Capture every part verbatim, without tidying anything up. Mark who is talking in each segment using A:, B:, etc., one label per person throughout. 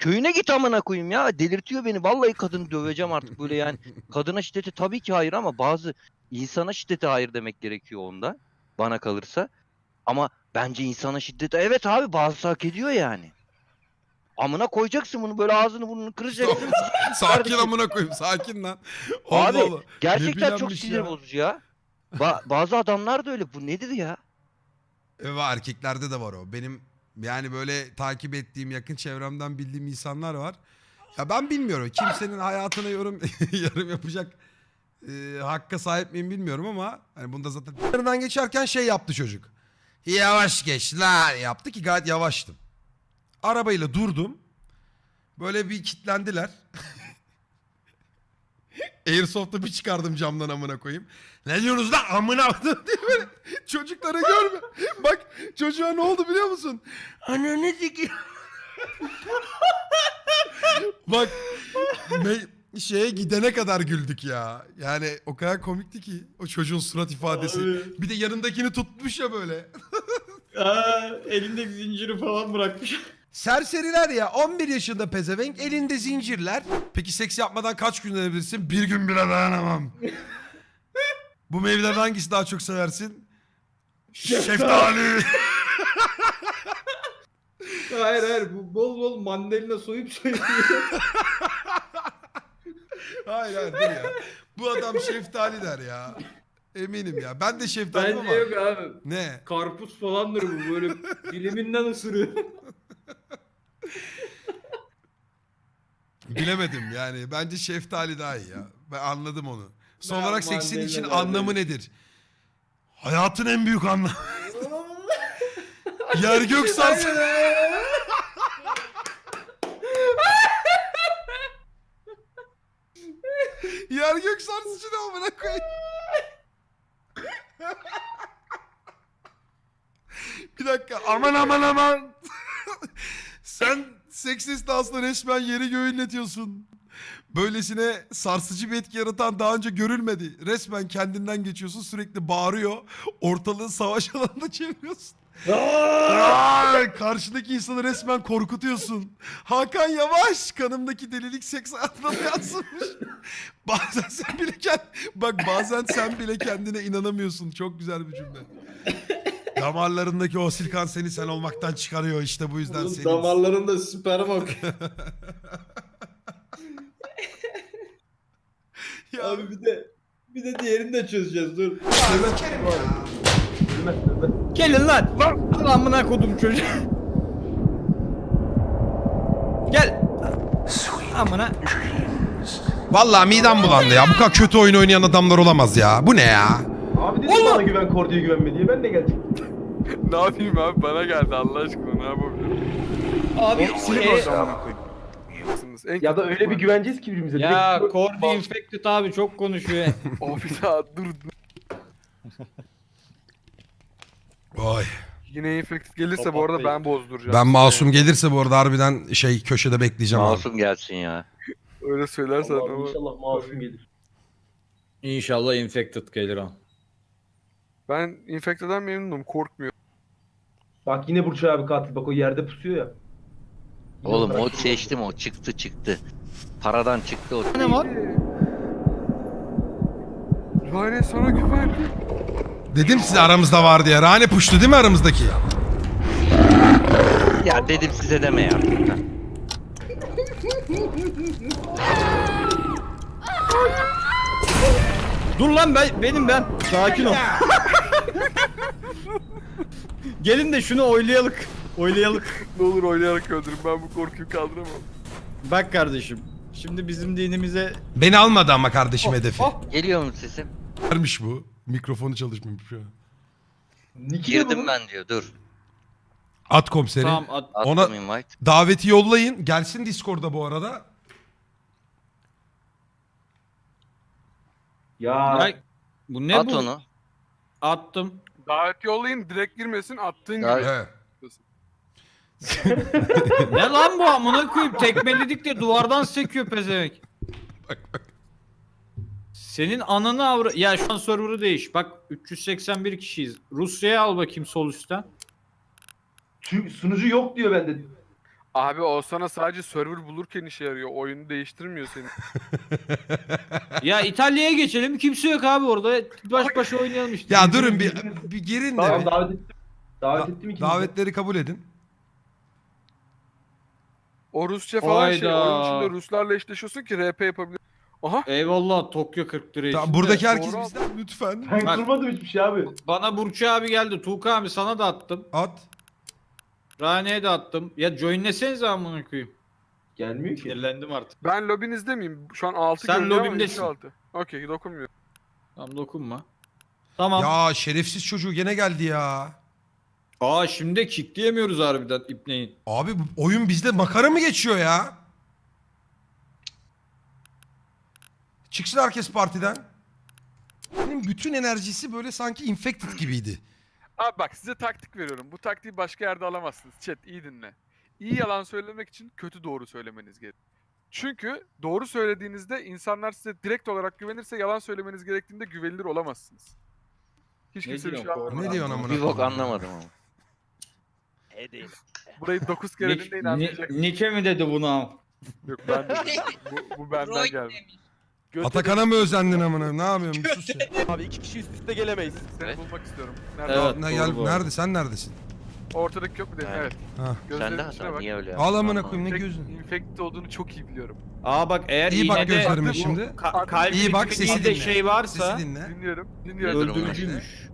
A: köyüne git amına koyayım ya. Delirtiyor beni. Vallahi kadını döveceğim artık böyle yani. Kadına şiddeti tabii ki hayır ama bazı insana şiddete hayır demek gerekiyor onda. Bana kalırsa. Ama bence insana şiddete evet abi bazısı hak ediyor yani. Amına koyacaksın bunu böyle ağzını burnunu kıracaksın.
B: Sakin
A: Kardeşim.
B: amına koyayım, sakin lan. Allah
A: Abi
B: Allah.
A: gerçekten çok
B: bilenmiş
A: sinir
B: ya.
A: bozucu ya. Ba- bazı adamlar da öyle. Bu nedir ya?
B: E, var, erkeklerde de var o. Benim yani böyle takip ettiğim, yakın çevremden bildiğim insanlar var. Ya ben bilmiyorum. Kimsenin hayatına yorum yorum yapacak e, hakka sahip miyim bilmiyorum ama hani bunda zaten yanından geçerken şey yaptı çocuk. Yavaş geç lan yaptı ki gayet yavaştım. Arabayla durdum. Böyle bir kitlendiler. Airsoft'u bir çıkardım camdan amına koyayım. Ne diyorsunuz lan amına diye böyle çocukları görme. Bak çocuğa ne oldu biliyor musun? Ananı sikeyim. Bak me- şeye gidene kadar güldük ya. Yani o kadar komikti ki o çocuğun surat ifadesi.
C: Abi.
B: Bir de yanındakini tutmuş ya böyle.
C: Aa, elindeki zinciri falan bırakmış.
B: Serseriler ya, on bir yaşında pezevenk, elinde zincirler. Peki seks yapmadan kaç gün dayanabilirsin? Bir gün bile dayanamam. Bu meyvelerden hangisi daha çok seversin? Şeftali.
C: Hayır hayır, bu bol bol mandalina soyup soyup
B: Hayır hayır dur ya. Bu adam şeftali der ya. Eminim ya. Ben de şeftaliyim
C: Bence
B: ama.
C: yok abi.
B: Ne?
C: Karpuz falandır bu, böyle diliminden ısırıyor.
B: Bilemedim yani. Bence şeftali daha iyi ya. Ben anladım onu. Son
C: Ben
B: olarak seksin
C: mandalina
B: için
C: derdim.
B: anlamı nedir? Hayatın en büyük anlamı. Yer gök sarsın. Yer gök sarsıcı ne amına koyayım. Bir dakika aman aman aman. Sen seks esnasında resmen yeri göğü inletiyorsun. Böylesine sarsıcı bir etki yaratan daha önce görülmedi. Resmen kendinden geçiyorsun, sürekli bağırıyor. Ortalığı savaş alanında çeviriyorsun. Aa, karşıdaki insanı resmen korkutuyorsun. Hakan Yavaş, kanımdaki delilik seks hayatına mı yansımış? Bazen sen bile kend... Bak bazen sen bile kendine inanamıyorsun. Çok güzel bir cümle. Damarlarındaki o silkan seni sen olmaktan çıkarıyor, işte bu yüzden
C: Oğlum
B: senin.
C: damarlarında sperm akıyor.
B: Ya,
C: Abi bir de bir de diğerini de çözeceğiz, dur.
B: sikerim ya.
C: Gelin lan. Lan amına kodum çocuğu. Gel. Amına.
B: Vallahi midem bulandı ya. Bu kadar kötü oyun oynayan adamlar olamaz ya. Bu ne ya?
D: Abi dedim bana güven, Kordi'ye güvenme diye, ben de gelecektim.
E: Ne yapayım abi, bana geldi Allah aşkına, ne yapabilirim?
C: Abi
E: Silin
C: e,
E: oradan amına koyayım. En
D: Ya da
E: kötü
D: öyle bir
E: ihtimal.
D: güveneceğiz ki birbirimize.
C: ya
D: Direkt-
C: Cordy infected abi, çok konuşuyor.
E: O bir daha dur.
B: Oy.
E: Yine infected gelirse bu arada ben bozduracağım.
B: Ben
E: sizi
B: masum
E: yani.
B: gelirse bu arada harbiden şey köşede bekleyeceğim abi.
A: Masum gelsin ya.
E: Öyle söylersen
D: Allah'ım
E: ama.
D: inşallah masum gelir.
C: İnşallah infected gelir o.
E: Ben infected'den memnunum, korkmuyorum.
D: Bak yine Burç abi katil, bak o yerde pusuyor ya. Yine
A: Oğlum o
D: bıraktım.
A: seçtim o çıktı çıktı. Paradan çıktı o.
C: Ne var?
E: Rane sana güvendim.
B: Dedim size aramızda var diye. Rane puştu değil mi aramızdaki?
A: Ya dedim size deme ya.
C: Dur lan, ben benim ben. Sakin ol. Gelin de şunu oylayalık. Oylayalık.
E: Ne olur oynayarak öldürün, ben bu korkuyu kaldıramam.
C: Bak kardeşim. Şimdi bizim dinimize
B: Beni almadı ama kardeşim hedefi.
C: oh.
A: Geliyor mu sesim?
B: Vermiş bu. Mikrofonu çalışmamış şu an.
D: Niki de
A: Girdim
D: bu.
A: ben diyor dur.
B: At komiseri.
C: Tamam at.
A: Attım
B: Ona-
A: invite.
B: Daveti yollayın. Gelsin Discord'da bu arada.
D: Ya
C: Ay, bu ne
A: At
C: bu?
A: onu.
C: Attım.
E: Davet yollayın, direkt girmesin, attığın gibi.
A: Davet-
B: Evet.
C: Ne lan bu, amına koyayım, tekmeledik de duvardan sekiyor pezevenk. Senin ananı avra... Ya şu an server'ı değiş. Bak üç yüz seksen bir kişiyiz. Rusya'ya al bakayım sol üstten.
D: Çünkü sunucu yok diyor bende.
E: Abi o sana sadece server bulurken işe yarıyor. Oyunu değiştirmiyor seni.
C: Ya İtalya'ya geçelim. Kimse yok abi orada. Baş başa oynayalım işte.
B: Ya durun bir, bir girin de.
D: Tamam
B: bir.
D: davet ettim. Davet
B: Da-
D: ettim ikinizi.
B: davetleri kabul edin.
E: O Rusça falan şey.
C: Hayda.
E: Oyun içinde Ruslarla eşleşiyorsun ki R P yapabilir. Aha.
C: Eyvallah Tokyo kırk lira
B: Tamam,
C: işte.
B: buradaki herkes
E: Doğru
B: bizden lütfen.
D: Ben
C: Bak.
D: kırmadım hiçbir şey abi.
C: Bana Burçu abi geldi. Tuğka abi sana da attım.
B: At.
C: Rane'ye de attım. Ya joinlesenize amına koyayım.
D: Gelmiyor ki.
C: Sinirlendim artık.
E: Ben lobinizde miyim? Şu an altı
C: Sen
E: görünüyor ama
C: lobindesin.
E: iki altı. Okey dokunmuyor.
C: Tamam dokunma. Tamam.
B: Ya şerefsiz çocuğu gene geldi ya.
C: Aa şimdi kickleyemiyoruz harbiden ipneyin.
B: Abi bu oyun bizde makara mı geçiyor ya? Çıksın herkes partiden. Benim bütün enerjisi böyle sanki infected gibiydi.
E: Abi bak size taktik veriyorum. Bu taktiği başka yerde alamazsınız. Chat iyi dinle. İyi yalan söylemek için kötü doğru söylemeniz gerek. Çünkü doğru söylediğinizde insanlar size direkt olarak güvenirse yalan söylemeniz gerektiğinde güvenilir olamazsınız. Hiç
C: Ne
E: kimse bir
C: diyorsun
E: şey
C: bu
E: anlamadı.
B: Ne diyorsun amına
A: Bir bok
B: koyayım ya?
A: anlamadım ama.
E: Burayı dokuz kere
C: Nick,
E: dinleyin
C: Ni-
E: anlayacaksınız.
C: Nike mi dedi bunu?
E: Yok ben de bu, bu benden
F: Roy
E: geldi.
F: demiş.
B: Atakan'a mı özendin amına? Ne yapıyorsun? Bir sus ya.
G: Abi iki kişi üst üste gelemeyiz.
E: Seni bulmak istiyorum. Nerede?
C: Evet.
B: Ne
C: doğru
B: gel
C: bu
B: nerede sen neredesin?
E: Ortadaki yok mu dedim?
A: Evet.
E: Evet.
B: Ha.
A: Sen
E: Gözlerinin
A: de
E: içine
A: hata
E: bak.
A: niye öyle
B: Al amına
A: Anlamadım.
B: koyayım ne
E: Infect-
B: gözün?
E: Infected olduğunu çok iyi biliyorum.
C: Aa bak eğer
B: İyi bak
C: iğnede
B: gözlerime
C: bu
B: şimdi.
C: ka- kalbin
B: İyi bak,
C: içinde
B: sesi
C: de
B: dinle.
C: şey varsa
B: Sesi dinle.
E: Dinliyorum. Dinliyorum.
A: Nedir o?
C: öldürücüymüş.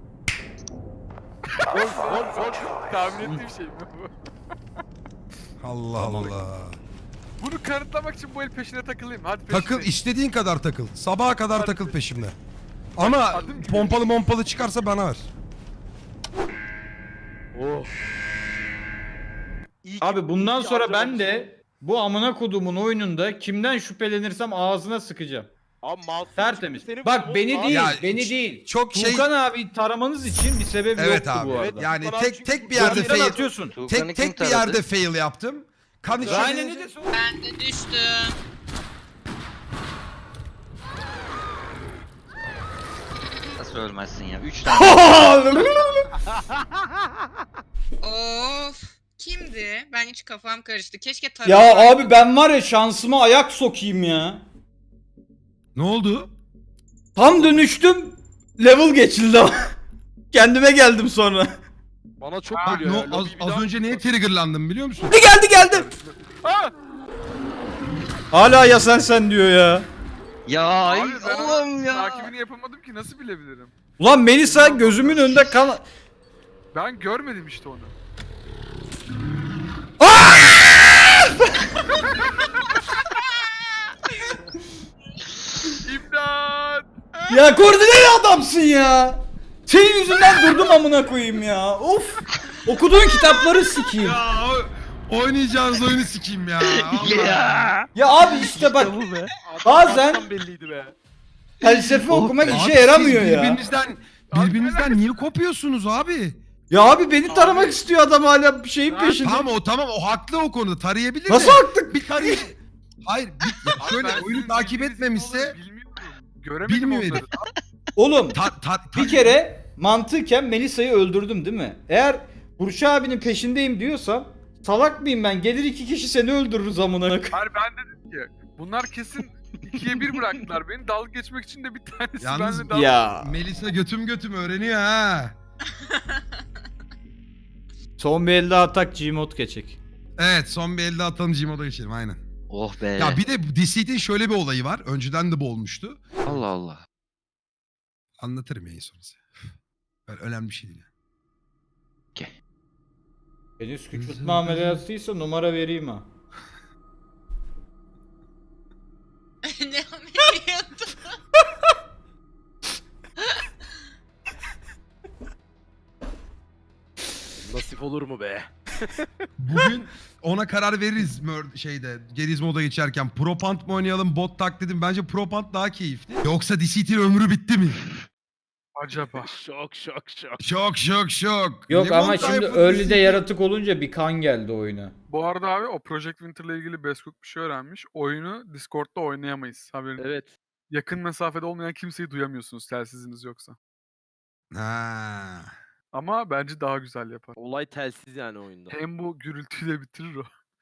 E: Tahmin ettiğim şey mi bu?
B: Allah Allah.
E: Bunu kanıtlamak için bu el peşine takılayım. Hadi peşine.
B: Takıl istediğin kadar takıl. Sabaha kadar takıl peşimde. Ama
E: Adım gibi.
B: pompalı mompalı çıkarsa bana ver.
G: Oh. İyi ki-
C: Abi bundan
G: iyi ki
C: sonra ben
G: harcamamışsın.
C: de bu amına kodumun oyununda kimden şüphelenirsem ağzına sıkacağım.
G: Abi masum
C: Tertemiz.
G: senin
C: Bak
G: bu-
C: beni
G: Abi-
C: değil,
B: Ya,
C: beni
B: ç-
C: değil.
B: çok şey-
C: Tuğkan abi taramanız için bir sebep
B: Evet
C: yoktu
B: abi.
C: bu arada.
B: Yani
G: Tuğkan abi
B: tek
G: çünkü
B: tek bir yerde
C: Tuğkan'ı
B: fail.
C: atıyorsun.
A: Tuğkan'ı
B: Tek
A: kim
B: tek bir
A: taradı?
B: yerde fail yaptım. Kan
C: Rayne ne
B: içeri-
C: diyorsun?
F: Ben de düştüm.
A: Nasıl ölmezsin ya? Üç tane.
F: Of. Kimdi? Ben hiç kafam karıştı. Keşke tarafı.
H: Ya abi ben var ya şansıma ayak sokayım ya.
B: Ne oldu?
H: Tam dönüştüm. Level geçildi ama. Kendime geldim sonra.
G: Bana çok
B: Bak,
G: geliyor
B: no,
G: ya.
B: az,
G: Lobiyi bir
B: az
G: daha-
B: önce neye triggerlandım biliyor musun?
H: Geldi geldi geldi. Hala ya sen sen diyor ya.
A: Ya ay
E: Abi ben
A: Allah'ım
E: onun
A: ya.
E: takibini yapamadım ki nasıl bilebilirim?
H: Ulan Melisa gözümün önünde kan...
E: Ben görmedim işte onu. İmdat!
H: Ya koordineli adamsın ya. Senin yüzünden durdum amına koyayım ya. Of. Okuduğun kitapları sikeyim.
B: Ya o- oynayacağınız oyunu sikeyim ya. Allah.
A: Ya.
H: Ya abi işte bak
G: Bu be.
H: bazen
G: Adam belliydi be.
H: felsefe okumak
B: Abi
H: işe
B: siz
H: yaramıyor ya.
B: Birbirinizden birbirinizden niye kopuyorsunuz abi?
H: Ya abi beni taramak istiyor adam hala bir şeyin peşinde.
B: Tamam o tamam o haklı o konuda tarayabilir
H: Nasıl
B: de.
H: haklı?
B: Bir tarayı. Hayır bir, ya
E: Abi
B: şöyle
E: ben
B: oyunu
E: sizin
B: takip
E: bildiğiniz
B: etmemişse
E: gibi olduğunu bilmiyorum. Göremedim
B: Bilmiyorum.
E: onları.
H: Oğlum
B: ta, ta,
H: bir kere mantıken Melisa'yı öldürdüm değil mi? Eğer Burç abinin peşindeyim diyorsam salak mıyım ben? Gelir iki kişi seni öldürürüz amına koyayım.
E: Hayır ben dedim ki bunlar kesin ikiye bir bıraktılar beni. Dalga geçmek için de bir tanesi
B: Yalnız
E: benimle dalga
H: Ya.
B: Melisa götüm götüm öğreniyor ha.
H: Son bir elde atak Gmod geçecek.
B: Evet son bir elde atalım Gmod'a geçelim aynen.
A: Oh be.
B: Ya bir de Deceit'in şöyle bir olayı var. Önceden de bu olmuştu.
A: Allah Allah.
B: Anlatırım yayın sonrası. Böyle önemli bir şey değil.
H: Henüz küçültme ameliyatıysa numara vereyim ha.
F: ne ameliyatı?
G: Nasip olur mu be?
B: Bugün ona karar veririz Mör- şeyde Gerizmo'da geçerken. Propant mı oynayalım bot tak dedim. Bence Propant daha keyifli. Yoksa Deceit'in ömrü bitti mi?
E: acaba.
G: Şok şok şok.
B: Şok şok şok.
H: Yok
B: Lemon
H: ama şimdi
B: Tayfun
H: early'de
B: Deceit-
H: yaratık olunca bir kan geldi oyuna.
E: Bu arada abi o Project Winter'la ilgili Beskok bir şey öğrenmiş. Oyunu Discord'da oynayamayız. Haberin.
G: Evet.
E: Yakın mesafede olmayan kimseyi duyamıyorsunuz telsiziniz yoksa.
B: Ha.
E: Ama bence daha güzel yapar.
G: Olay telsiz yani oyunda.
E: Hem bu gürültüyle bitirir o.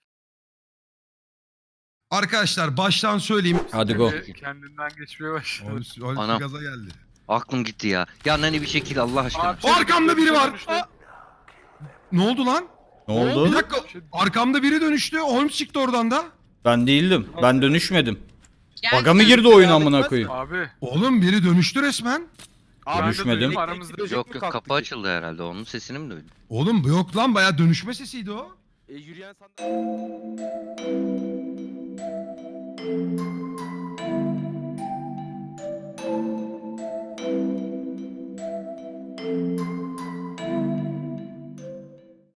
B: Arkadaşlar baştan söyleyeyim.
H: Hadi go.
E: Kendi- Kendinden geçmeye başladı.
B: Holmes, Holmes
A: Anam.
B: gaza geldi.
A: Aklım gitti ya. Ya Nani bir şekil Allah aşkına.
E: Abi,
B: Arkamda biri var.
E: dönüştü.
B: Ne oldu lan?
H: Ne
B: Bir
H: oldu?
B: dakika. Arkamda biri dönüştü. Holmes çıktı oradan da.
H: Ben değildim. Ben dönüşmedim.
F: Geldim.
H: Baga mı girdi oyun amına koyayım?
E: Abi.
B: Oğlum biri dönüştü resmen.
E: ben de
H: Dönüşmedim.
E: duydum, aramızda.
A: Yok yok kapı açıldı herhalde. Onun sesini mi duydun?
B: Oğlum yok lan bayağı dönüşme sesiydi o.
G: E, yürüyen sandalye.